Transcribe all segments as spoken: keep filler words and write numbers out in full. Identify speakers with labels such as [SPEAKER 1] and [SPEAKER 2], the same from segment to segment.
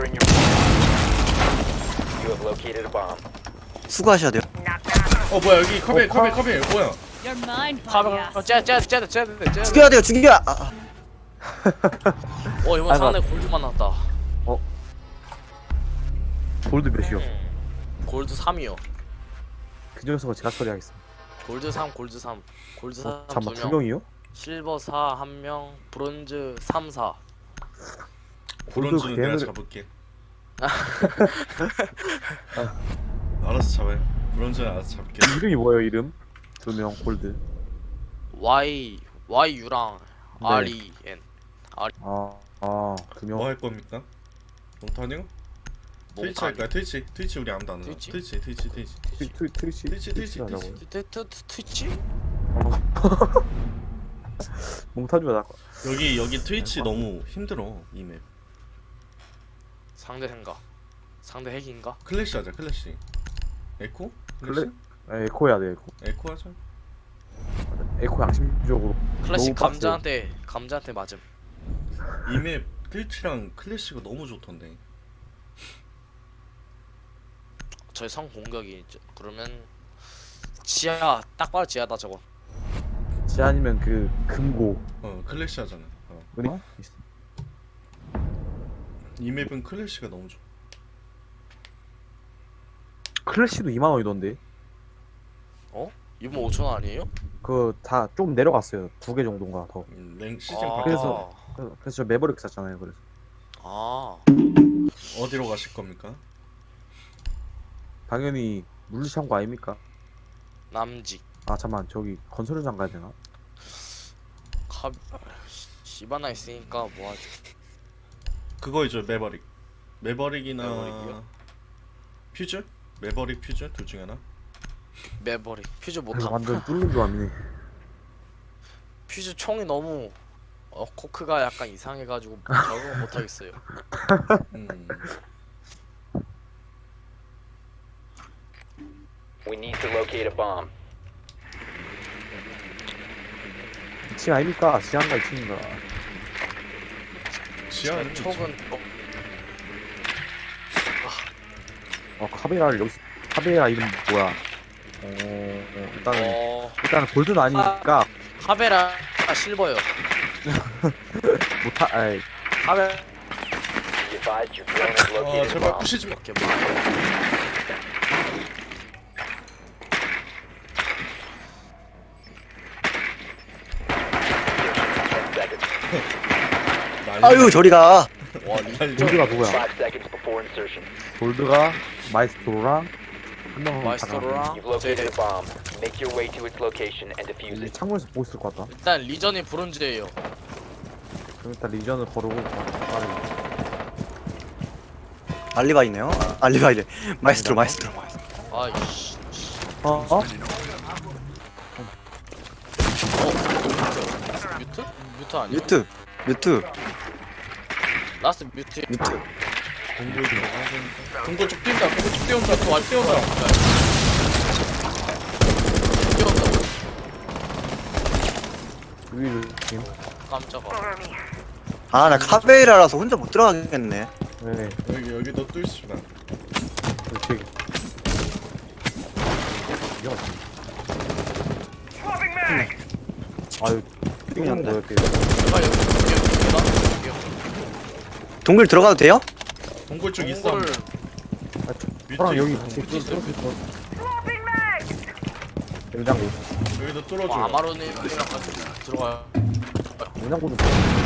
[SPEAKER 1] longer in your. You have located a bomb.
[SPEAKER 2] 수고하셔야 돼요.
[SPEAKER 3] 어 뭐야 여기 카베 카베 카베 뭐야?
[SPEAKER 4] You're mine,
[SPEAKER 5] 가봐.
[SPEAKER 4] Fabius.
[SPEAKER 5] 어, 쟤, 쟤, 쟤, 쟤, 쟤, 쟤.
[SPEAKER 2] 죽여야 돼요. 죽여. 아, 아.
[SPEAKER 5] 어, 이번
[SPEAKER 6] 아이고.
[SPEAKER 5] 상대 골드만 나왔다.
[SPEAKER 6] 골드 몇이요?
[SPEAKER 5] 골드 삼이요.
[SPEAKER 6] 그 녀석을 제가 처리하겠습니다.
[SPEAKER 5] 골드 삼, 골드 삼. 골드 삼
[SPEAKER 6] 어, 잠깐만
[SPEAKER 5] 두
[SPEAKER 6] 두
[SPEAKER 5] 명.
[SPEAKER 6] 명이요?
[SPEAKER 5] 실버 사 한 명, 브론즈 삼, 사.
[SPEAKER 3] 브론즈는 내가
[SPEAKER 6] 걔네들-
[SPEAKER 3] 잡을게. 알아서 잡아요. 브론즈는 알아서 잡을게.
[SPEAKER 6] 이름이 뭐예요 이름? 두 명 골드.
[SPEAKER 5] Y, Y U랑
[SPEAKER 6] 네.
[SPEAKER 5] R E N.
[SPEAKER 6] 아, 아, 두 명.
[SPEAKER 3] 뭐 할 겁니까? 몽타뉴? 트위치 할까요? 트위치. 트위치 우리 아무도 안 하나.
[SPEAKER 5] 트위치?
[SPEAKER 3] 트위치 트위치 트위치.
[SPEAKER 6] 트- 트- 트위치
[SPEAKER 3] 트위치, 트위치,
[SPEAKER 6] 하자고요.
[SPEAKER 3] 트위치.
[SPEAKER 5] 트, 트, 트, 트위치?
[SPEAKER 6] 몽타주가 나.
[SPEAKER 3] 여기 여기 트위치 너무 힘들어 이 맵.
[SPEAKER 5] 상대 생각. 상대 핵인가?
[SPEAKER 3] 클래시 하자 클래시. 에코?
[SPEAKER 6] 클래? 아, 에코 해야 돼 에코.
[SPEAKER 3] 에코 하자.
[SPEAKER 6] 에코 양심적으로.
[SPEAKER 5] 클래식
[SPEAKER 6] 너무 빡세요.
[SPEAKER 5] 감자한테 감자한테 맞음.
[SPEAKER 3] 이 맵 트위치랑 클래시가 너무 좋던데.
[SPEAKER 5] 저희 성 공격이 이제 그러면 지하 딱 봐도 지하다 저거.
[SPEAKER 6] 지 아니면 그 금고.
[SPEAKER 3] 어 클래시 하잖아. 어.
[SPEAKER 6] 은이? 어?
[SPEAKER 3] 이 맵은 클래시가 너무 좋아.
[SPEAKER 6] 클래시도 이만 원이던데.
[SPEAKER 5] 이분 오천 원 아니에요?
[SPEAKER 6] 그 다 좀 내려갔어요. 두 개 정도인가 더.
[SPEAKER 3] 음, 랭 시즌
[SPEAKER 5] 아,
[SPEAKER 3] 바뀌어서
[SPEAKER 6] 그래서, 그래서 저 매버릭 샀잖아요. 그래서.
[SPEAKER 5] 아,
[SPEAKER 3] 어디로 가실 겁니까?
[SPEAKER 6] 당연히 물류창고 아닙니까?
[SPEAKER 5] 남직.
[SPEAKER 6] 아 잠만 저기 건설 현장 가야 되나?
[SPEAKER 5] 카 시바나 있으니까 뭐 하지?
[SPEAKER 3] 그거이죠 매버릭. 매버릭이나
[SPEAKER 5] 매버릭이요?
[SPEAKER 3] 퓨즈? 매버릭 퓨즈 둘 중에 하나.
[SPEAKER 5] 매버리 퓨즈
[SPEAKER 6] 이거
[SPEAKER 5] 못함.
[SPEAKER 6] 완전 뚫는 조합이네.
[SPEAKER 5] 퓨즈 총이 너무 어 코크가 약간 이상해가지고 적응 못하겠어요.
[SPEAKER 3] 음.
[SPEAKER 1] We need to locate a bomb.
[SPEAKER 6] 이 층 아닙니까? 지하인가 이 층인가?
[SPEAKER 3] 지하는
[SPEAKER 5] 촉은 어,
[SPEAKER 6] 어 카베라를 여기서 카베라 이름 뭐야? 어, 어 일단은
[SPEAKER 5] 어
[SPEAKER 6] 일단은 골드는 아니니까
[SPEAKER 5] 카베라 실버요.
[SPEAKER 6] 못하. 아이
[SPEAKER 5] 카베
[SPEAKER 1] Be advised your drone has
[SPEAKER 3] 아
[SPEAKER 1] located a
[SPEAKER 3] 제발
[SPEAKER 1] bomb.
[SPEAKER 3] 부시지 마.
[SPEAKER 5] 이렇게 뭐
[SPEAKER 1] ten seconds.
[SPEAKER 2] 아유 저리가.
[SPEAKER 5] 와 리.
[SPEAKER 6] 골드가 누구야?
[SPEAKER 1] Five seconds before insertion.
[SPEAKER 6] 골드가 마이스트로랑 한 명은
[SPEAKER 5] 마이스터로랑
[SPEAKER 1] You've located
[SPEAKER 5] 제
[SPEAKER 1] a bomb. Make your way to its location and defuse
[SPEAKER 6] 이
[SPEAKER 1] it.
[SPEAKER 6] 창문에서 보고 있을 것 같다.
[SPEAKER 5] 일단 리전이 브론즈예요.
[SPEAKER 6] 그럼 일단 리전을 거르고 빠르게.
[SPEAKER 2] 알리바이네요. 아, 알리바이래. 마이스트로 마이스트로.
[SPEAKER 5] 아이씨.
[SPEAKER 6] 어? 어?
[SPEAKER 5] 뮤트? 뮤트 아니야?
[SPEAKER 2] 뮤트 뮤트
[SPEAKER 5] 라스트 뮤트.
[SPEAKER 2] 뮤트.
[SPEAKER 3] 동굴 들어가야 되니까. 동굴 쭉 뛴다. 동굴 쭉 뛰어온다. 또
[SPEAKER 5] 와
[SPEAKER 3] 뛰어온다.
[SPEAKER 5] 뛰어온다.
[SPEAKER 6] 위를 지금.
[SPEAKER 5] 깜짝아.
[SPEAKER 2] 아 나 카베이라라서 혼자 못 들어가겠네.
[SPEAKER 6] 네.
[SPEAKER 3] 여기 여기도 뚫읍시다.
[SPEAKER 6] 그렇지. 이거 아유 띵한
[SPEAKER 2] 띵한데.
[SPEAKER 6] 거였대.
[SPEAKER 5] 제발 여기 여기 여기 여기.
[SPEAKER 2] 동굴 들어가도 돼요?
[SPEAKER 3] 동굴 쪽 있어.
[SPEAKER 5] 동굴
[SPEAKER 6] 아,
[SPEAKER 3] 뮤트
[SPEAKER 6] 저랑 여기
[SPEAKER 3] 있어.
[SPEAKER 6] 같이
[SPEAKER 5] 뮤트 있어요?
[SPEAKER 6] 냉장고.
[SPEAKER 3] 여기도 뚫어줘.
[SPEAKER 5] 어, 아마로님이랑 같이 들어가요.
[SPEAKER 6] 냉장고도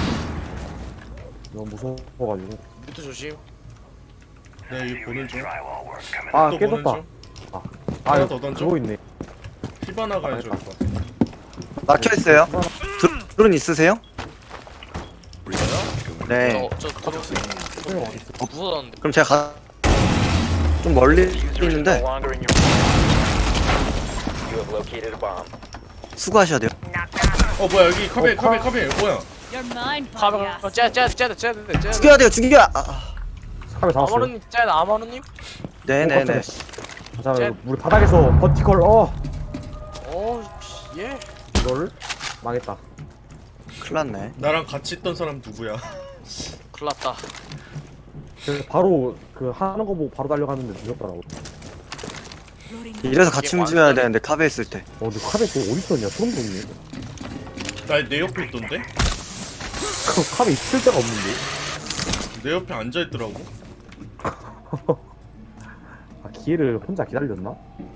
[SPEAKER 6] 너무 무서워가지고.
[SPEAKER 5] 뮤트 조심.
[SPEAKER 3] 네 여기 보는 중.
[SPEAKER 6] 아
[SPEAKER 3] 또 보는
[SPEAKER 6] 깨졌다.
[SPEAKER 3] 중.
[SPEAKER 6] 아
[SPEAKER 3] 하나
[SPEAKER 6] 이거
[SPEAKER 3] 더 던져?
[SPEAKER 6] 그거 있네.
[SPEAKER 3] 히바나 가야 좋을 것 같아.
[SPEAKER 2] 막혀 있어요. 드론 있으세요? 네.
[SPEAKER 5] 저 저 들어오세요.
[SPEAKER 6] 소영 어디 있어?
[SPEAKER 5] 무서웠는데.
[SPEAKER 2] 그럼 제가 가... 좀 멀리
[SPEAKER 1] Diffuser is no
[SPEAKER 2] 있는데
[SPEAKER 1] longer in your. You have located a bomb.
[SPEAKER 2] 수고하셔야 돼요.
[SPEAKER 3] 어 뭐야 여기 카베
[SPEAKER 6] 어,
[SPEAKER 3] 카베
[SPEAKER 6] 카-
[SPEAKER 3] 카베 뭐야?
[SPEAKER 4] You're mine,
[SPEAKER 5] 가봐.
[SPEAKER 4] Fabius.
[SPEAKER 5] 쟤쟤쟤쟤쟤쟤
[SPEAKER 2] 죽여야 돼요. 죽여. 아, 아.
[SPEAKER 6] 카메 잡았어요.
[SPEAKER 5] 아마로님 쟤 아마로님.
[SPEAKER 2] 네네네.
[SPEAKER 6] 자
[SPEAKER 5] 쟤-
[SPEAKER 6] 우리 바닥에서 버티컬 어
[SPEAKER 5] 오 예.
[SPEAKER 6] 이거를 망했다.
[SPEAKER 2] 큰일 났네.
[SPEAKER 3] 나랑 같이 있던 사람 누구야?
[SPEAKER 5] 큰일났다.
[SPEAKER 6] 그래서 바로 그 하는 거 보고 바로 달려갔는데 늦었더라고.
[SPEAKER 2] 이래서 같이
[SPEAKER 5] 이게
[SPEAKER 2] 움직여야
[SPEAKER 5] 완전-
[SPEAKER 2] 되는데 카베 있을 때.
[SPEAKER 6] 어, 근데 카베 그거 어디 있었냐? 소름 돋네.
[SPEAKER 3] 나내 옆에 있던데?
[SPEAKER 6] 그 카베 있을 데가 없는데.
[SPEAKER 3] 내 옆에 앉아 있더라고.
[SPEAKER 6] 아, 기회를 혼자 기다렸나?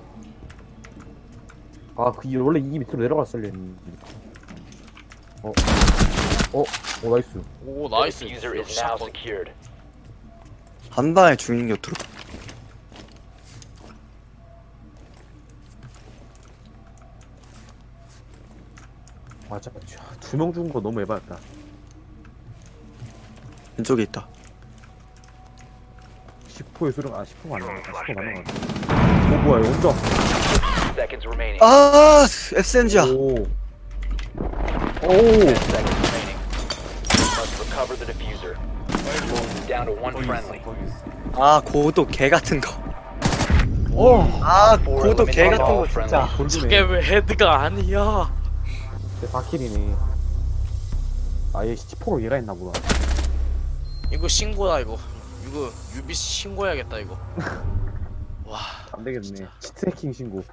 [SPEAKER 6] 아, 그 이- 원래 이 밑으로 내려갔을려 했는데. 어, 어, 어, 나이스.
[SPEAKER 5] 오
[SPEAKER 1] The
[SPEAKER 5] 나이스.
[SPEAKER 1] diffuser is
[SPEAKER 5] 역시
[SPEAKER 1] now
[SPEAKER 5] 샷건.
[SPEAKER 1] secured.
[SPEAKER 2] 한 방에 죽는 곁으로.
[SPEAKER 6] 맞아, 두 명 죽은 거 너무 에바였다.
[SPEAKER 2] 왼쪽에 있다.
[SPEAKER 6] 십 호의 수령, 아, 십 호가 아니야. 십 호 맞는 거 같아. 어, 뭐야, 이거 혼자.
[SPEAKER 1] Seconds remaining.
[SPEAKER 2] 아, 에스엠지야.
[SPEAKER 6] 오. 오.
[SPEAKER 1] ten seconds remaining. Must recover the diffuser. Down to one
[SPEAKER 3] 거기
[SPEAKER 1] friendly.
[SPEAKER 3] 있어, 거기 있어.
[SPEAKER 2] 아, 고도 개 같은 거.
[SPEAKER 6] 오.
[SPEAKER 2] 아,
[SPEAKER 1] Four
[SPEAKER 2] 고도 개
[SPEAKER 1] eliminated,
[SPEAKER 2] 같은
[SPEAKER 1] all
[SPEAKER 2] 거 진짜.
[SPEAKER 1] friendly.
[SPEAKER 5] 저게 왜 헤드가 아니야?
[SPEAKER 6] 사 킬이네. 아, 얘 십 호로 얘가 했나 보다.
[SPEAKER 5] 이거 신고다 이거. 이거 유비 신고해야겠다 이거. 와.
[SPEAKER 6] 안 되겠네. 치트 해킹 신고.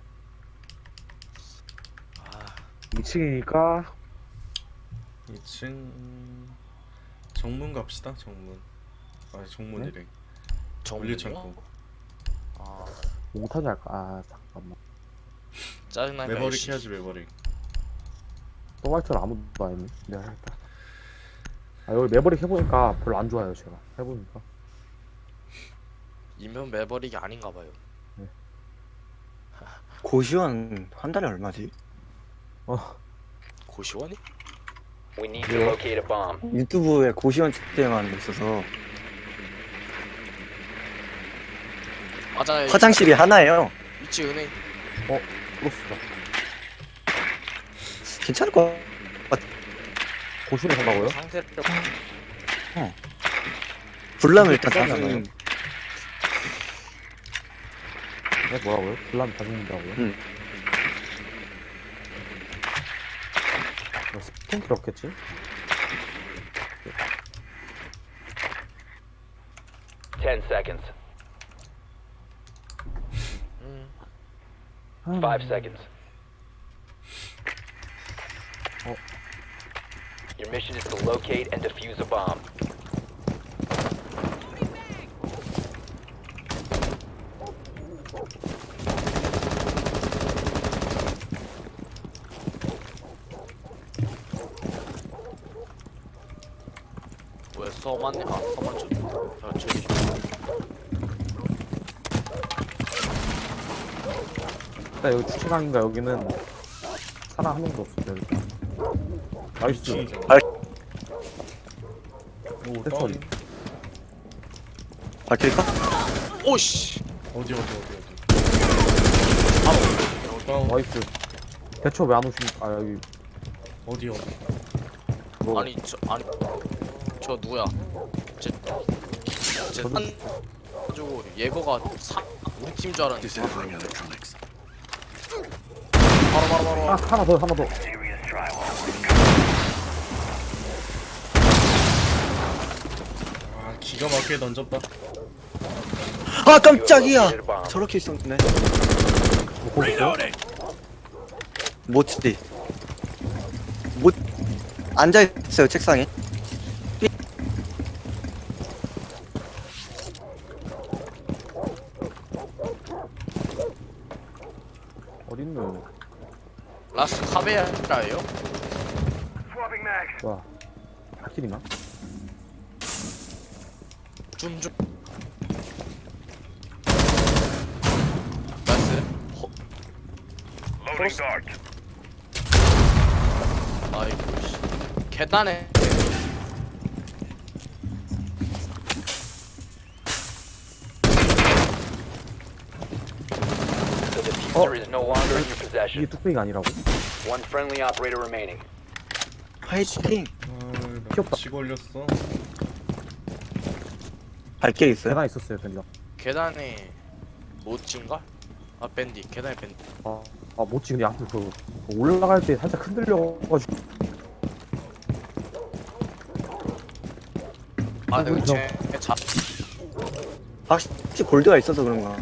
[SPEAKER 5] 아,
[SPEAKER 6] 이 층이니까
[SPEAKER 3] 이 층 정문 갑시다. 정문. 아 정문이래.
[SPEAKER 5] 정말.
[SPEAKER 3] 물리창고.
[SPEAKER 5] 아,
[SPEAKER 6] 몽타주 할까? 아, 잠깐만.
[SPEAKER 5] 짜증나니까.
[SPEAKER 3] 매버릭
[SPEAKER 5] 씨.
[SPEAKER 3] 해야지 매버릭.
[SPEAKER 6] 또 화이트를 아무도 안 했네. 내가 할까? 아, 여기 매버릭 해보니까 별로 안 좋아요, 제가. 해보니까.
[SPEAKER 5] 이면 매버릭이 아닌가 봐요.
[SPEAKER 2] 고시원 한 달에 얼마지?
[SPEAKER 6] 어,
[SPEAKER 5] 고시원이?
[SPEAKER 1] We need to locate a bomb.
[SPEAKER 2] 유튜브에 고시원 측정하는 거 있어서
[SPEAKER 5] 맞아.
[SPEAKER 2] 화장실이 하나예요.
[SPEAKER 5] 위치 은행.
[SPEAKER 6] 어, 크로스다.
[SPEAKER 2] 괜찮을 것 같아.
[SPEAKER 6] 고시원에 산다고요?
[SPEAKER 5] 상태를
[SPEAKER 2] 불나면 일단
[SPEAKER 6] 비싸지
[SPEAKER 2] 가서
[SPEAKER 6] 않아요? 네, 뭐라고요? 불나면 다 죽는다고요?
[SPEAKER 2] 응.
[SPEAKER 6] 뭐 스폰 그렇겠지?
[SPEAKER 1] Ten seconds.
[SPEAKER 5] 음.
[SPEAKER 1] Five seconds.
[SPEAKER 6] Oh.
[SPEAKER 1] Your mission is to locate and defuse a bomb.
[SPEAKER 5] 왜 서만? 아 서만 쪽. 아 저기.
[SPEAKER 6] 일단 여기 주차장인가 여기는 사람 한 명도 없어 여기. 나이스.
[SPEAKER 2] 알-
[SPEAKER 3] 오
[SPEAKER 6] 대처리.
[SPEAKER 3] 다운.
[SPEAKER 2] 밝힐까?
[SPEAKER 5] 오씨.
[SPEAKER 3] 어디 어디 어디 어디.
[SPEAKER 5] 바로.
[SPEAKER 3] 어 다운.
[SPEAKER 6] 나이스. 대처 왜 안 오신? 아 여기
[SPEAKER 3] 어디 어디.
[SPEAKER 6] 뭐
[SPEAKER 5] 아니 저 아니 저 누구야? 제제산 가지고 예거가 사 우리 팀 줄 알았는데. 바로 바로 바로.
[SPEAKER 6] 아 하나 더 하나 더.
[SPEAKER 3] 아 기가 막히게 던졌다.
[SPEAKER 2] 아, 깜짝이야.
[SPEAKER 1] Located a bomb.
[SPEAKER 2] 저렇게 있었네.
[SPEAKER 6] 뭐 거기 있어?
[SPEAKER 2] 못지. 못 앉아 있어요 책상에.
[SPEAKER 6] 어딨노?
[SPEAKER 5] 라스 카베라예요?
[SPEAKER 6] 와. 하킬이나?
[SPEAKER 5] 줌줌. 나이스. 허. 크로스. 아이고 씨. 계단에.
[SPEAKER 1] The diffuser is no longer in your
[SPEAKER 6] 이게
[SPEAKER 1] possession.
[SPEAKER 6] 뚝배기가 아니라고?
[SPEAKER 1] One friendly operator remaining.
[SPEAKER 2] 화이팅.
[SPEAKER 3] 아나
[SPEAKER 6] 귀엽다.
[SPEAKER 3] 치고 올렸어.
[SPEAKER 2] 발길 있어요?
[SPEAKER 6] 계단 있었어요 밴디가.
[SPEAKER 5] 계단에 모찌인가? 아 밴디. 계단에 밴디.
[SPEAKER 6] 아, 아 못지 근데 아무튼 그 올라갈 때 살짝 흔들려가지고
[SPEAKER 5] 아
[SPEAKER 6] 아,
[SPEAKER 5] 내가
[SPEAKER 6] 그죠.
[SPEAKER 5] 쟤 잡.
[SPEAKER 2] 확실히 골드가 있어서 그런가.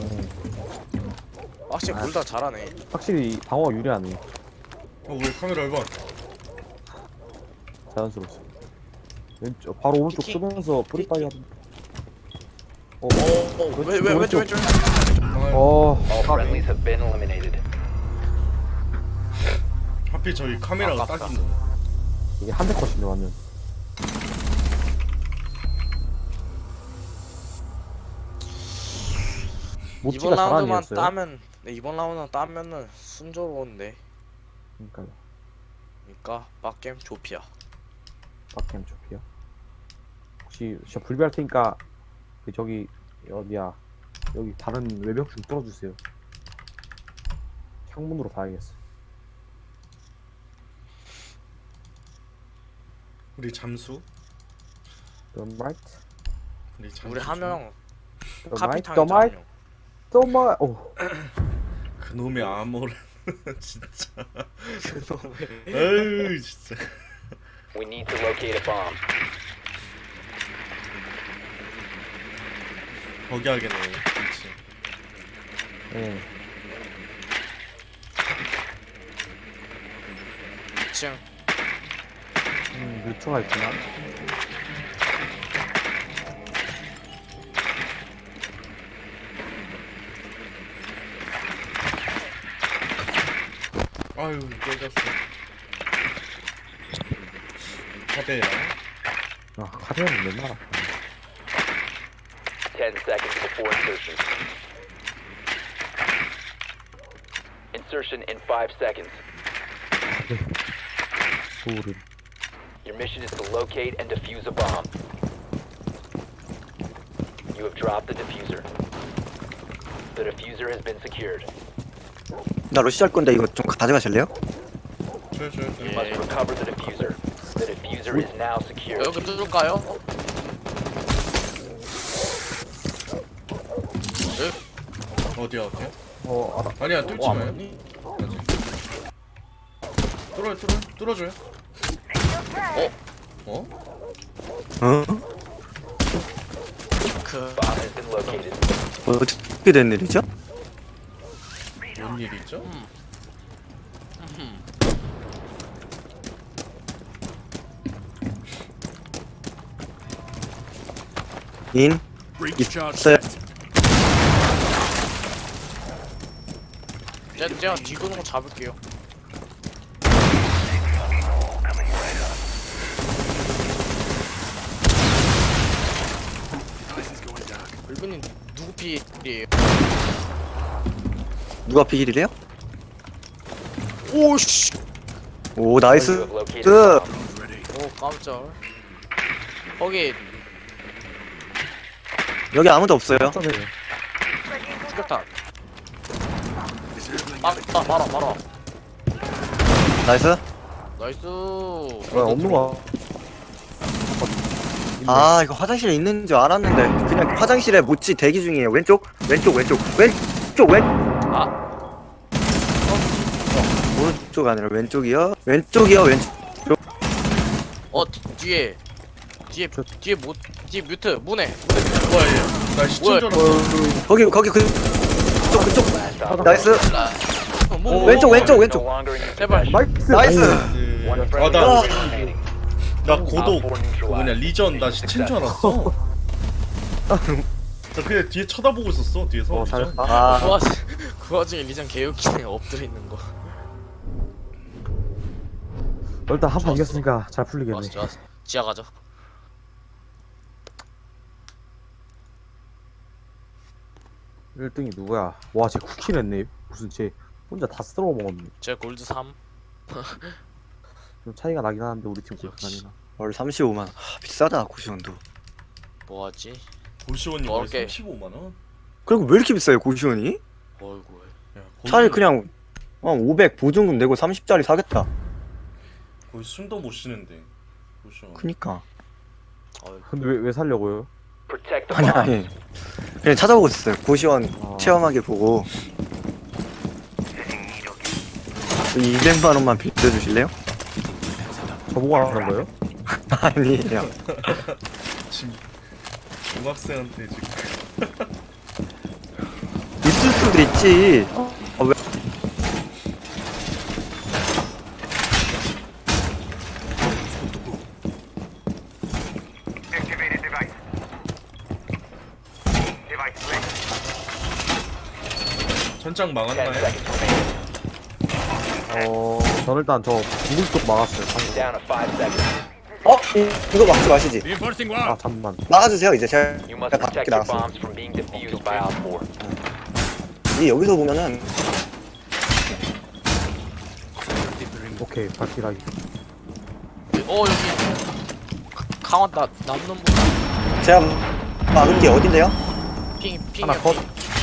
[SPEAKER 5] 확실히 골다 잘하네.
[SPEAKER 6] 확실히 방어가 유리하네.
[SPEAKER 3] 어왜 카메라 일 번
[SPEAKER 6] 자연스럽지. 왼쪽 바로 오른쪽
[SPEAKER 5] 키키.
[SPEAKER 6] 쓰면서 뿌리빠이 하던. 어,
[SPEAKER 5] 어왜왜 왼쪽 왼쪽.
[SPEAKER 6] 어,
[SPEAKER 1] All
[SPEAKER 6] 까비.
[SPEAKER 1] friendlies have been eliminated.
[SPEAKER 3] 하필 저희 카메라가
[SPEAKER 5] 아깝다.
[SPEAKER 3] 딱 있네.
[SPEAKER 6] 이게 한 대 컷인데 완전.
[SPEAKER 5] 이번
[SPEAKER 6] 모찌가 잘하는
[SPEAKER 5] 라운드만
[SPEAKER 6] 애였어요.
[SPEAKER 5] 따면 네, 이번 라운드만 따면은 순조로운데.
[SPEAKER 6] 그러니까
[SPEAKER 5] 그러니까 빡겜 조피아.
[SPEAKER 6] 박캠 조피야. 혹시 진짜 불비할 테니까 그 저기 어디야 여기 다른 외벽 좀 뚫어주세요. 창문으로 봐야겠어.
[SPEAKER 3] 우리 잠수.
[SPEAKER 6] The right,
[SPEAKER 3] 우리 잠수.
[SPEAKER 5] 우리 한 명
[SPEAKER 6] the right,
[SPEAKER 5] 카피탕
[SPEAKER 6] the
[SPEAKER 5] 한
[SPEAKER 6] right,
[SPEAKER 5] 명.
[SPEAKER 6] the right. 오,
[SPEAKER 3] 그놈의 암호를 진짜. 에이 진짜.
[SPEAKER 1] We need to locate a bomb.
[SPEAKER 3] 거기 하겠네. 그렇지.
[SPEAKER 6] 예.
[SPEAKER 5] 이 층.
[SPEAKER 6] 음, 뮤초가 있구나.
[SPEAKER 3] 아유 깨졌어. 카베라.
[SPEAKER 6] 아, 카레는 맨날 아파.
[SPEAKER 1] Ten seconds before insertion. Insertion in five seconds.
[SPEAKER 6] 소름.
[SPEAKER 1] Your mission is to locate and defuse a bomb. You have dropped the diffuser. The diffuser has been secured.
[SPEAKER 2] 나 러시 할 건데 이거 좀 가져가실래요?
[SPEAKER 3] 줘요 줘요 줘요.
[SPEAKER 5] 예.
[SPEAKER 1] Must recover the diffuser. The diffuser is now secured.
[SPEAKER 5] 여기 뚫을까요?
[SPEAKER 3] 어디야 어디야?
[SPEAKER 6] 어, 알아.
[SPEAKER 3] 아니야 뚫지
[SPEAKER 5] 어,
[SPEAKER 3] 마요.
[SPEAKER 5] 아니?
[SPEAKER 3] 아직. 뚫어요 뚫어요 뚫어줘요. 어?
[SPEAKER 2] 어?
[SPEAKER 5] 그
[SPEAKER 1] Bomb has been located.
[SPEAKER 2] 어떻게 된 일이죠?
[SPEAKER 3] 뭔 일이 있죠?
[SPEAKER 2] 인 있어요.
[SPEAKER 5] 제가, 제가 뒤도는 거 잡을게요. 물건님 누구 피해예요?
[SPEAKER 2] 누가 피길이래요?
[SPEAKER 5] 오씨.
[SPEAKER 2] 오
[SPEAKER 1] You
[SPEAKER 2] 나이스.
[SPEAKER 1] have located
[SPEAKER 2] 그
[SPEAKER 1] a bomb.
[SPEAKER 5] 오 깜짝. 거기
[SPEAKER 2] 여기 아무도 없어요.
[SPEAKER 6] 어쩌네.
[SPEAKER 5] 폭격탄. 아, 아, 말아, 말아.
[SPEAKER 2] 나이스.
[SPEAKER 5] 나이스.
[SPEAKER 6] 왜 없는 거야?
[SPEAKER 2] 아 이거 화장실에 있는 줄 알았는데 그냥 화장실에 모찌 대기 중이에요. 왼쪽 왼쪽 왼쪽 왼쪽 왼
[SPEAKER 5] 아,
[SPEAKER 2] 오른쪽 아니라 왼쪽이요. 왼쪽이요 왼쪽.
[SPEAKER 5] 어 뒤- 뒤에 뒤에
[SPEAKER 6] 저-
[SPEAKER 5] 뒤에 못 뒤에 뮤트 문에. 뭐야 얘?
[SPEAKER 3] 나 시청 줄 알았어.
[SPEAKER 2] 거기 거기 그 그쪽 그쪽 나이스.
[SPEAKER 5] 어, 뭐, 뭐,
[SPEAKER 2] 왼쪽
[SPEAKER 5] 뭐.
[SPEAKER 2] 왼쪽 왼쪽.
[SPEAKER 1] No longer in your
[SPEAKER 5] 제발.
[SPEAKER 1] possession.
[SPEAKER 6] 나이스.
[SPEAKER 2] 나이스.
[SPEAKER 1] One
[SPEAKER 3] 아,
[SPEAKER 1] friendly
[SPEAKER 3] 나,
[SPEAKER 1] remaining.
[SPEAKER 3] 나 고독,
[SPEAKER 1] Op four
[SPEAKER 3] 그
[SPEAKER 1] neutralized.
[SPEAKER 3] 뭐냐, 리전, 나 시체인 줄 알았어. 나 그냥 뒤에 쳐다보고 있었어, 뒤에서.
[SPEAKER 6] 어,
[SPEAKER 3] 리전.
[SPEAKER 6] 잘했다.
[SPEAKER 2] 아
[SPEAKER 5] 그 와중에 그 와중에 리전 개웃기네 엎드려 있는 거.
[SPEAKER 6] 일단 한 판
[SPEAKER 5] 좋았어.
[SPEAKER 6] 이겼으니까 잘 풀리겠네.
[SPEAKER 5] 좋았어 좋았어. 지하 가자.
[SPEAKER 6] 일 등이 누구야? 와, 쟤 쿠키 냈네. 무슨 쟤 혼자 다 쓸어 먹었네.
[SPEAKER 5] 제 골드 삼.
[SPEAKER 6] 좀 차이가 나긴 하는데 우리 팀
[SPEAKER 5] 역시.
[SPEAKER 6] 골프나니나.
[SPEAKER 2] 월 삼십오만. 하, 비싸다 고시원도.
[SPEAKER 5] 뭐하지?
[SPEAKER 3] 고시원이 거의
[SPEAKER 5] 먹을게.
[SPEAKER 3] 삼십오만 원?
[SPEAKER 2] 그리고 왜 이렇게 비싸요 고시원이?
[SPEAKER 5] 어이구.
[SPEAKER 3] 야,
[SPEAKER 2] 차라리
[SPEAKER 3] 거기-
[SPEAKER 2] 그냥 어, 오백 보증금 내고 삼십짜리 사겠다.
[SPEAKER 3] 거의 숨도 못 쉬는데. 고시원.
[SPEAKER 2] 그니까.
[SPEAKER 5] 어이구.
[SPEAKER 6] 근데 왜, 왜 살려고요?
[SPEAKER 1] Protect the
[SPEAKER 2] 아니
[SPEAKER 1] bomb.
[SPEAKER 2] 아니. 그냥 찾아보고 있었어요. 고시원
[SPEAKER 6] 아.
[SPEAKER 2] 체험하게 보고. 이백만 원만 빌려주실래요?
[SPEAKER 6] 저보고 하는 거예요?
[SPEAKER 2] 아니에요.
[SPEAKER 3] 지금 중학생한테 지금
[SPEAKER 2] 있을 수도 있지. 어, 왜?
[SPEAKER 3] 천장
[SPEAKER 1] ten
[SPEAKER 3] 막았나요?
[SPEAKER 1] seconds remaining.
[SPEAKER 6] 어, 저는 일단 저 동굴 쪽 막았어요.
[SPEAKER 1] Down to five seconds.
[SPEAKER 2] 어? 이- 이거 막지 마시지.
[SPEAKER 6] 아, 잠만.
[SPEAKER 2] 막아주세요. 이제 제가
[SPEAKER 1] You must
[SPEAKER 2] 밖에
[SPEAKER 1] protect your
[SPEAKER 2] 나갔어요.
[SPEAKER 1] bombs from being defused by Op four.
[SPEAKER 2] 이 여기서 보면은
[SPEAKER 6] 오케이, 발키라기.
[SPEAKER 5] 어 여기 가- 강원 나 남는 분
[SPEAKER 2] 제가 막은 게 어딘데요?
[SPEAKER 5] 핑 핑.
[SPEAKER 6] 하나 컷.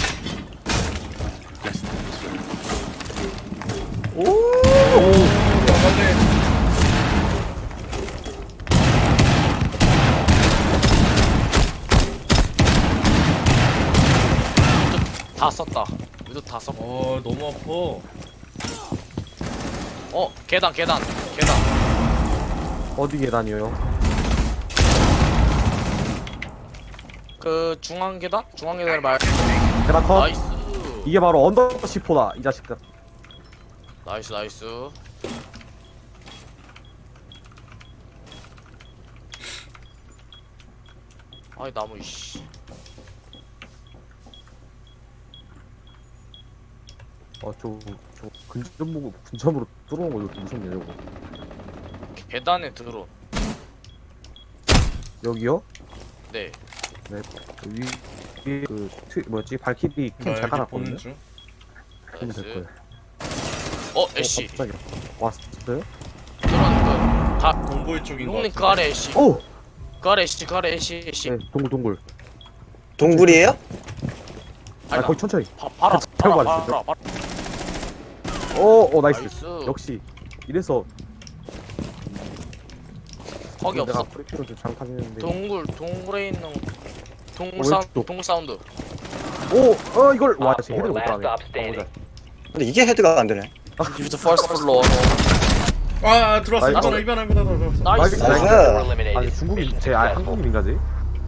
[SPEAKER 2] 오.
[SPEAKER 3] 막았네.
[SPEAKER 5] 다 썼다. 위도 다 썼고.
[SPEAKER 3] 어 너무 아파.
[SPEAKER 5] 어 계단 계단 계단.
[SPEAKER 6] 어디 계단이에요?
[SPEAKER 5] 그 중앙 계단? 중앙 계단 말.
[SPEAKER 6] 계단 컷.
[SPEAKER 5] 나이스.
[SPEAKER 6] 이게 바로 언더시포다, 이 자식들.
[SPEAKER 5] 나이스 나이스. 아이 나무 이씨.
[SPEAKER 6] 어, 저, 저 근접 보고 근접으로 뚫어온 거 이거 무섭네, 저거.
[SPEAKER 5] 계단에 들어.
[SPEAKER 6] 여기요?
[SPEAKER 5] 네.
[SPEAKER 6] 네. 그 위, 위에 그, 트, 뭐였지? 발키리
[SPEAKER 3] 나
[SPEAKER 6] 캠
[SPEAKER 3] 여기
[SPEAKER 6] 잘
[SPEAKER 3] 보는
[SPEAKER 6] 깔았거든요?
[SPEAKER 3] 중.
[SPEAKER 6] 그러면 될 거예요.
[SPEAKER 5] 나이스. 어
[SPEAKER 6] 어,
[SPEAKER 5] 애쉬.
[SPEAKER 6] 갑자기 왔어요?
[SPEAKER 5] 들어왔는 거. 다
[SPEAKER 3] 동굴 쪽인 거
[SPEAKER 5] 용님 그
[SPEAKER 3] 같아.
[SPEAKER 5] 아래 애쉬.
[SPEAKER 6] 오!
[SPEAKER 5] 그 아래 애쉬 그 아래 애쉬 애쉬.
[SPEAKER 6] 네, 동굴, 동굴.
[SPEAKER 2] 동굴이에요?
[SPEAKER 6] 아,
[SPEAKER 5] 아니,
[SPEAKER 6] 거기 천천히.
[SPEAKER 5] 바, 바로
[SPEAKER 6] 태워
[SPEAKER 5] 바로
[SPEAKER 6] 말했어요.
[SPEAKER 5] 바로 바로.
[SPEAKER 6] 오, 오, 나이스.
[SPEAKER 5] 나이스.
[SPEAKER 6] 역시. 이래서
[SPEAKER 5] 거기
[SPEAKER 6] 내가
[SPEAKER 5] 없어.
[SPEAKER 6] 프리피로 좀 장판했는데.
[SPEAKER 5] 동굴 동굴에 있는 동굴
[SPEAKER 6] 어,
[SPEAKER 5] 사운드
[SPEAKER 6] 왼쪽.
[SPEAKER 5] 동굴 사운드.
[SPEAKER 6] 오! 어, 이걸! 와,
[SPEAKER 1] Op
[SPEAKER 6] 쟤 헤드를
[SPEAKER 1] four
[SPEAKER 6] 못
[SPEAKER 1] last
[SPEAKER 6] 따네.
[SPEAKER 1] stop standing.
[SPEAKER 2] 근데 이게 헤드가 안 되네.
[SPEAKER 5] You're the first floor.
[SPEAKER 3] 아 들어왔어.
[SPEAKER 6] 나이스.
[SPEAKER 3] 이번에 이번에 이번에 들어왔어.
[SPEAKER 5] 나이스.
[SPEAKER 6] 나이스.
[SPEAKER 2] 나이스.
[SPEAKER 1] Four
[SPEAKER 6] 아니,
[SPEAKER 1] eliminated.
[SPEAKER 6] 중국인,
[SPEAKER 1] Mission
[SPEAKER 6] 쟤 아,
[SPEAKER 1] successful.
[SPEAKER 6] 한국인인가, 쟤?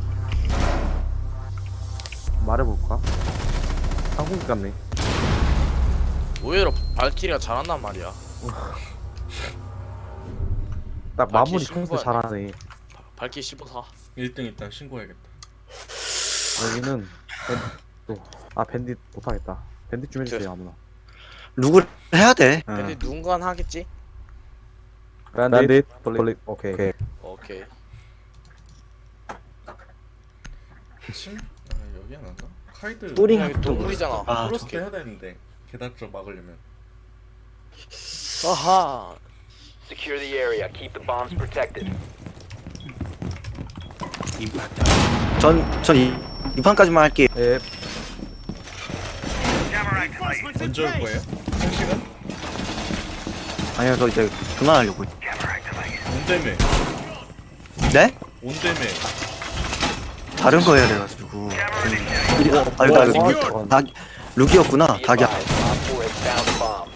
[SPEAKER 6] 말해볼까? 한국인 같네.
[SPEAKER 5] 의외로 발키리가 잘한단 말이야.
[SPEAKER 6] 딱
[SPEAKER 5] 아,
[SPEAKER 6] 마무리
[SPEAKER 5] 키
[SPEAKER 6] 컨셉
[SPEAKER 5] 신고하네.
[SPEAKER 6] 잘하네.
[SPEAKER 5] 발키 십오사.
[SPEAKER 3] 일 등 일단 신고해야겠다.
[SPEAKER 6] 여기는 밴드, 아 밴딧 못하겠다. 밴딧 좀 해주세요 아무나.
[SPEAKER 2] 룩을 해야 돼.
[SPEAKER 5] 근데 누군가는 하겠지?
[SPEAKER 6] 밴딧 돌리. 오케이. 오케이.
[SPEAKER 5] 오케이.
[SPEAKER 3] 칠? 아 여기 안 왔나? 카이드.
[SPEAKER 2] 뿌링
[SPEAKER 5] 여기 동굴이잖아.
[SPEAKER 2] 아,
[SPEAKER 3] 프로스트 해야 되는데 계단 쪽 막으려면.
[SPEAKER 5] 아하.
[SPEAKER 1] Secure the area. Keep the bombs protected.
[SPEAKER 2] 전, 전 이, 이 판까지만 할게요.
[SPEAKER 6] 예.
[SPEAKER 3] 언제 올 거예요? 한 시간?
[SPEAKER 2] 아니요, 저 이제 그만하려고.
[SPEAKER 3] 온대매.
[SPEAKER 2] 네?
[SPEAKER 3] 온대매.
[SPEAKER 2] 다른 거 해야 돼가지고. 이리, 어, 아니, 나,
[SPEAKER 6] 와,
[SPEAKER 2] 닭, 룩이었구나.
[SPEAKER 1] Be
[SPEAKER 2] 닭이야.
[SPEAKER 1] advised, Op four has found a bomb.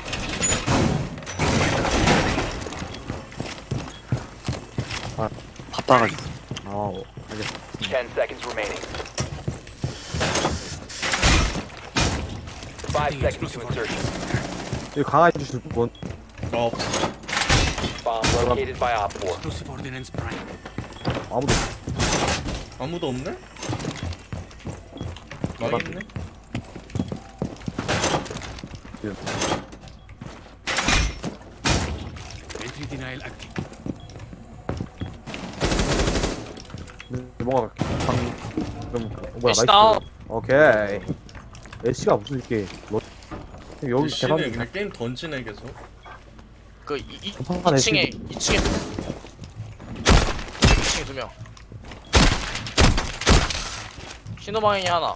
[SPEAKER 2] 바빠가지고.
[SPEAKER 6] 아, 알겠어.
[SPEAKER 1] Ten seconds remaining. Five seconds to insertion.
[SPEAKER 6] 여기 강화해 주실 분.
[SPEAKER 3] 아 없어.
[SPEAKER 1] Bomb located by Op four.
[SPEAKER 6] 아무도.
[SPEAKER 3] 아무도 없네? 망했네?
[SPEAKER 6] 네, 뭔가 방. 좀 어, 뭐야
[SPEAKER 5] 애쉬
[SPEAKER 6] 나이스.
[SPEAKER 5] 다운.
[SPEAKER 6] 오케이. 애쉬가 무슨 이렇게 뭐- 여기
[SPEAKER 3] 씨는
[SPEAKER 6] 계단
[SPEAKER 3] 그냥 게임 던지네 계속.
[SPEAKER 5] 그 이, 이,
[SPEAKER 6] 전판만
[SPEAKER 5] 이 층에
[SPEAKER 6] 애쉬.
[SPEAKER 5] 이 층에 이 층에 두 명. 신호방향이 하나.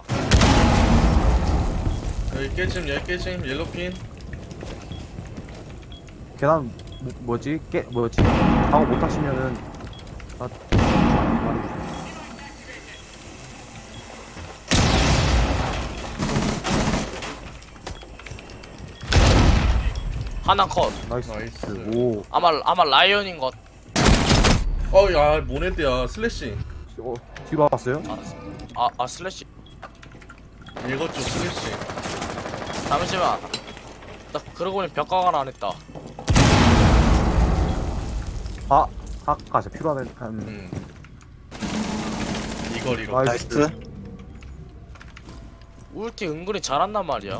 [SPEAKER 3] 여기 깨짐 여기 깨짐 옐로핀.
[SPEAKER 6] 계단 뭐, 뭐지? 깨 뭐지? 방어 못 하시면은 아 말해주세요.
[SPEAKER 5] 하나 컷.
[SPEAKER 6] 나이스.
[SPEAKER 3] 나이스.
[SPEAKER 6] 오.
[SPEAKER 5] 아마 아마 라이언인 것.
[SPEAKER 3] 어야 모네드야 슬래시.
[SPEAKER 6] 어, 뒤로 왔어요?
[SPEAKER 5] 아, 아 슬래시.
[SPEAKER 3] 이것 좀 슬래시.
[SPEAKER 5] 잠시만. 나 그러고 보니 벽가관 안 했다.
[SPEAKER 6] 아 아까 진짜 필요하네. 한
[SPEAKER 3] 음. 이걸 이거.
[SPEAKER 6] 나이스.
[SPEAKER 2] 나이스.
[SPEAKER 5] 울티 은근히 잘한단 말이야.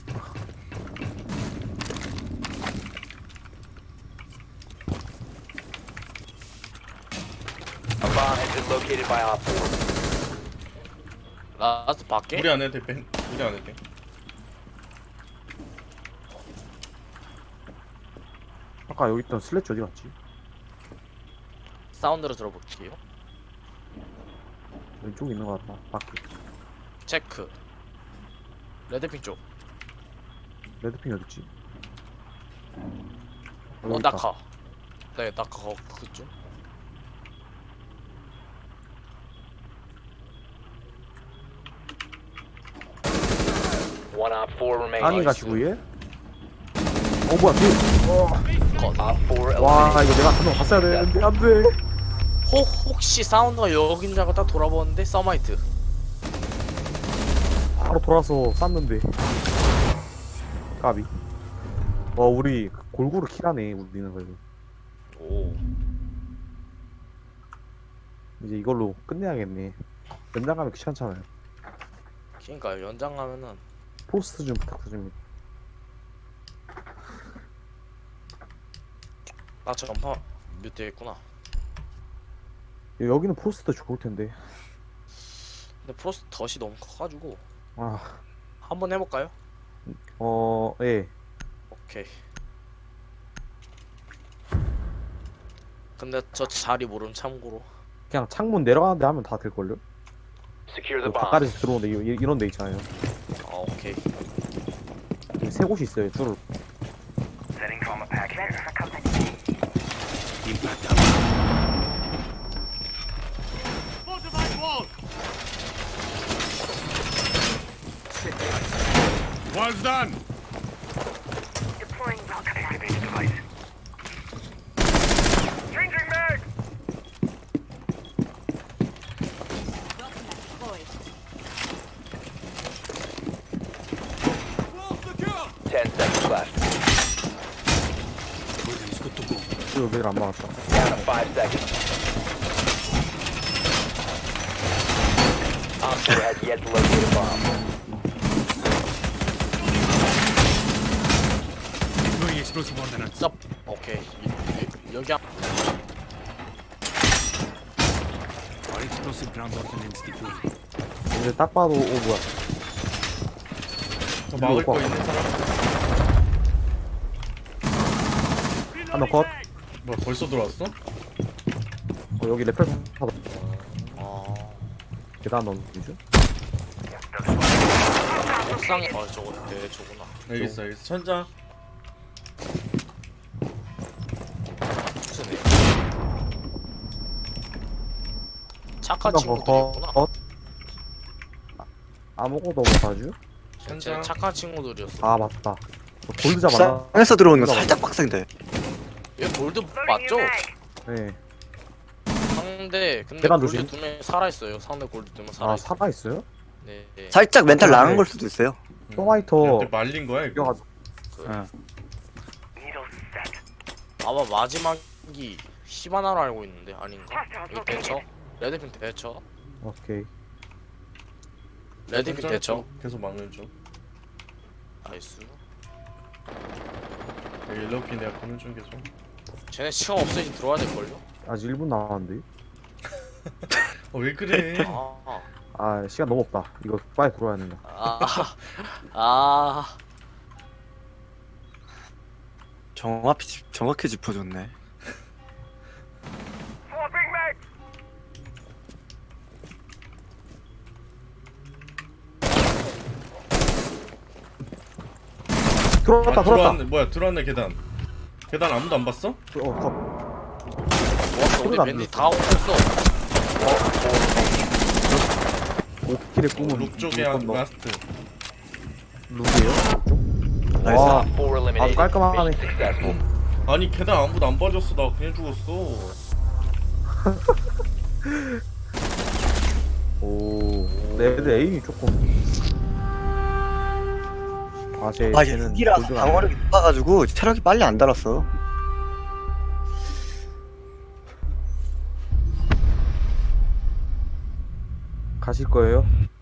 [SPEAKER 1] A bomb has been located by Op four.
[SPEAKER 5] 라스트 밖에?
[SPEAKER 3] 우리 안 해도 돼. 뺀. 우리 안 해도 돼.
[SPEAKER 6] 아까 여기 있던 슬래치 어디 갔지?
[SPEAKER 5] 사운드를 들어볼게요.
[SPEAKER 6] 왼쪽에 있는 거 같다. 밖에.
[SPEAKER 5] 체크. 레드핑 쪽.
[SPEAKER 6] 레드핑 어디 있지?
[SPEAKER 5] 어 낙하. 네 낙하 거 그쪽.
[SPEAKER 1] One Op four remaining.
[SPEAKER 6] 아니 가지고 얘? 어 뭐야 뒤.
[SPEAKER 1] Op four
[SPEAKER 6] 와
[SPEAKER 1] eliminated.
[SPEAKER 6] 이거 내가 한 명 봤어야 되는데 안돼.
[SPEAKER 5] 혹 혹시 사운드가 여긴 줄 알고 딱 돌아보는데 서마이트.
[SPEAKER 6] 바로 돌아서 쐈는데. 까비. 와 우리 골고루 킬하네 우리는 그래도.
[SPEAKER 5] 오.
[SPEAKER 6] 이제 이걸로 끝내야겠네. 연장 가면 귀찮잖아요.
[SPEAKER 5] 그러니까 연장 가면은
[SPEAKER 6] 포스트 좀 부탁드립니다.
[SPEAKER 5] 아 전파 뮤트 있구나.
[SPEAKER 6] 여기는 포스트 좋을 텐데.
[SPEAKER 5] 근데 프로스트 덫이 너무 커가지고
[SPEAKER 6] 아,
[SPEAKER 5] 한번 해볼까요?
[SPEAKER 6] 어, 예.
[SPEAKER 5] 오케이. 근데 저 자리 모름 참고로.
[SPEAKER 6] 그냥 창문 내려가는데 하면 다 될걸요?
[SPEAKER 1] Secure the
[SPEAKER 6] 그
[SPEAKER 1] bomb.
[SPEAKER 6] 바깥에서 들어오는데 이- 이런 데 있잖아요.
[SPEAKER 5] 아 오케이.
[SPEAKER 6] 여기 세 곳이 있어요. 줄을.
[SPEAKER 1] Ten seconds left.
[SPEAKER 6] 줄 여기를 안 막았다.
[SPEAKER 1] Down to five seconds. Op four has yet to locate a bomb.
[SPEAKER 5] 쌉. 오케이. 이- 이- 여기 한.
[SPEAKER 6] 근데 딱 봐도 오 뭐야?
[SPEAKER 3] 저 막을
[SPEAKER 6] 이거
[SPEAKER 3] 거
[SPEAKER 6] 봐.
[SPEAKER 3] 있는 사람?
[SPEAKER 6] 한 명 컷.
[SPEAKER 3] 뭐야 벌써 들어왔어?
[SPEAKER 6] 어, 여기 레펠 하다.
[SPEAKER 5] 아.
[SPEAKER 6] 계단 넘기죠?
[SPEAKER 5] 옥상에. 어 저거 네 저구나.
[SPEAKER 3] 여기 있어 여기 있어. 천장.
[SPEAKER 5] 무슨 애? 착한
[SPEAKER 6] 컷.
[SPEAKER 5] 친구들이었구나.
[SPEAKER 6] 컷. 아, 아무것도 못하죠?
[SPEAKER 5] 진짜
[SPEAKER 3] 천장.
[SPEAKER 5] 착한 친구들이었어.
[SPEAKER 6] 아 맞다. 어, 골드 잡았나?
[SPEAKER 2] 쌍에서 들어오는 거 살짝 빡센데.
[SPEAKER 5] 얘 골드 맞죠?
[SPEAKER 6] 네.
[SPEAKER 5] 상대 근데
[SPEAKER 6] 계단
[SPEAKER 5] 골드
[SPEAKER 6] 조심.
[SPEAKER 5] 두 명 살아 있어요. 상대 골드 두 명 살아
[SPEAKER 6] 아
[SPEAKER 5] 있어.
[SPEAKER 6] 살아 있어요?
[SPEAKER 5] 네. 네.
[SPEAKER 2] 살짝 멘탈
[SPEAKER 6] 네.
[SPEAKER 2] 나간 걸 수도 있어요.
[SPEAKER 6] 소마이터
[SPEAKER 3] 그때 말린 거야 이거.
[SPEAKER 6] 이겨가지고.
[SPEAKER 2] 응.
[SPEAKER 5] 아마 마지막이 히바나로 알고 있는데 아닌가? 여기 대처? 레드핀 대처?
[SPEAKER 6] 오케이.
[SPEAKER 5] 레드핀
[SPEAKER 3] 천장
[SPEAKER 5] 대처?
[SPEAKER 3] 쪽 계속 막는 중.
[SPEAKER 5] 나이스.
[SPEAKER 3] 여기 일러피 내가 보는 중 계속.
[SPEAKER 5] 쟤네 시간 없으니 들어와야 될걸요?
[SPEAKER 6] 아직 일 분 남았는데.
[SPEAKER 3] 어왜 그래?
[SPEAKER 5] 아,
[SPEAKER 6] 아 시간 너무 없다. 이거 빨리 들어와야 된다.
[SPEAKER 5] 아, 아,
[SPEAKER 2] 정확히 짚- 정확히 짚어줬네.
[SPEAKER 6] 들어왔다
[SPEAKER 3] 아,
[SPEAKER 6] 들어왔다.
[SPEAKER 3] 들어왔네. 뭐야 들어왔네 계단. 계단 아무도 안 봤어?
[SPEAKER 6] 어, 컷.
[SPEAKER 5] 좋았어. 우리
[SPEAKER 6] 소리가 안
[SPEAKER 5] 밴디
[SPEAKER 6] 들렸어.
[SPEAKER 5] 다 오셨어.
[SPEAKER 6] 오키킬의 꿈은
[SPEAKER 3] 룩 쪽에
[SPEAKER 6] 룩
[SPEAKER 3] 한
[SPEAKER 6] 건너.
[SPEAKER 3] 라스트.
[SPEAKER 6] 룩이에요?
[SPEAKER 2] 나이스.
[SPEAKER 6] 와,
[SPEAKER 1] Op four eliminated.
[SPEAKER 6] 깔끔하네.
[SPEAKER 1] Mission successful.
[SPEAKER 3] 아니 계단 아무도 안 봐줬어. 나 그냥 죽었어.
[SPEAKER 6] 오, 내 애들 에임이 조금 아제
[SPEAKER 2] 아
[SPEAKER 6] 쟤는
[SPEAKER 2] 여기라서
[SPEAKER 6] 골드가 안
[SPEAKER 2] 방어력이 높아가지고 체력이 빨리 안 달았어.
[SPEAKER 6] 가실 거예요?